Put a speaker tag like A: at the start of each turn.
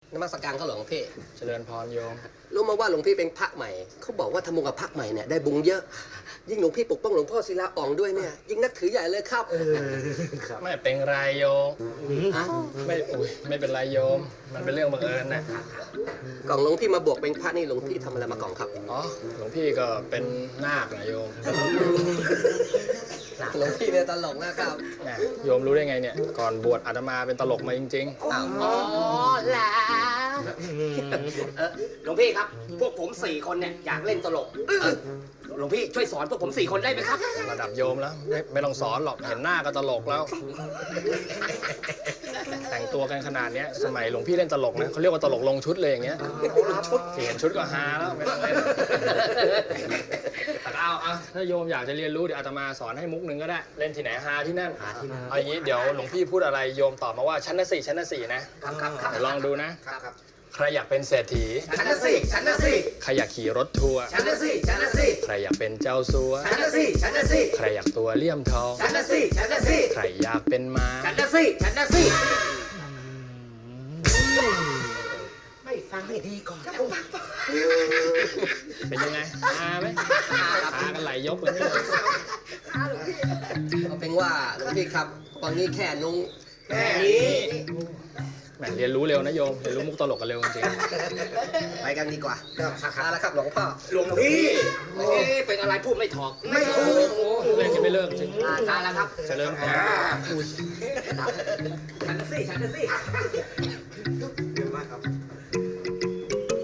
A: นมัสการเขาหลวงพี่
B: เจริญพรโยม
A: รู้มาว่าหลวงพี่เป็นพระใหม่เขาบอกว่าทำบุญกับพระใหม่เนี่ยได้บุญเยอะ ยิ่งหลวงพี่ปกป้องหลวงพ่อศิลาอ่องด้วยเนี่ยยิ่งนับถือใหญ่เลยครับ
B: ไม่เป็นไรโยม
A: ฮะ
B: ไม่เป็นไรโยม มันเป็นเรื่องบังเอิญนะ
A: กล่องหลวงพี่มาบวกเป็นพระนี่หลวงพี่ทำอะไรมากล่องครับ
B: อ๋อหลวงพี่ก็เป็นนาคนะโยม
A: หลวงพี่เนี่ยตลกนะครับ
B: แหมโยมรู้ได้ไงเนี่ย ก่อนบวชอาตมาเป็นตลกมาจริง
A: อ้าว
C: อ๋อแล้วหลวงพี่ครับ พวกผม4 คนเนี่ยอยากเล่นตลกหลวงพี่ช่วยสอนพวกผม4 คนได้ไหมครับ
B: ๆ ระดับโยมแล้วไม่ต้องสอนหรอก เห็นหน้าก็ตลกแล้ว แต่งตัวกันขนาดเนี้ยสมัยหลวงพี่เล่นตลกนะเขาเรียกว่าตลกลงชุดเลยอย่างเงี้ยเห็นชุดก็ฮาแล้วไม่ต้องเล่นแต่เอาถ้าโยมอยากจะเรียนรู้เดี๋ยวอาตมาสอนให้มุกหนึ่งก็ได้ เล่นที่ไหนฮาที่นั่นเอาอย่างนี้เดี๋ยวหลวงพี่พูดอะไรโยมตอบมาว่าชั้นละ4ชั้นละ4นะเดี๋ยวลองดูนะ
C: ครับ
B: ใครอยากเป็นเศรษฐี
C: ฉันนะสิฉันนะสิ
B: ใครอยากขี่รถทัวร์
C: ฉันนะสิฉันนะสิ
B: ใครอยากเป็นเจ้าสัว
C: ฉันนะสิฉันนะสิ
B: ใครอยากตัวเลี่ยมทอง
C: ฉันนะสิฉันนะสิ
B: ใครอยากเป็นม้า
C: ฉันนะสิฉันนะสิไม่ฟังให้ดีก่อน
B: เป็นยังไงฮาไหมฮากันไหลยกเลย
A: เอาเป็นว่าหลวงพี่ครับตอนนี้แค่นุ้ง
C: แค่นี้
B: แหมเรียนรู้เร็วนะโยมเรียนรู้มุกตลกกันเร็วจริง
A: ไปกันดีกว่าเอาละครับหลวงพ่อ
C: หลวงพี่เป็นอะไรพูดไม่ถอกไม่ถูก
B: เล่นกันไม่เลิกจริง
C: ทานแล้วครับ
B: เจริญพร
C: ฉันนะสิฉันนะสิ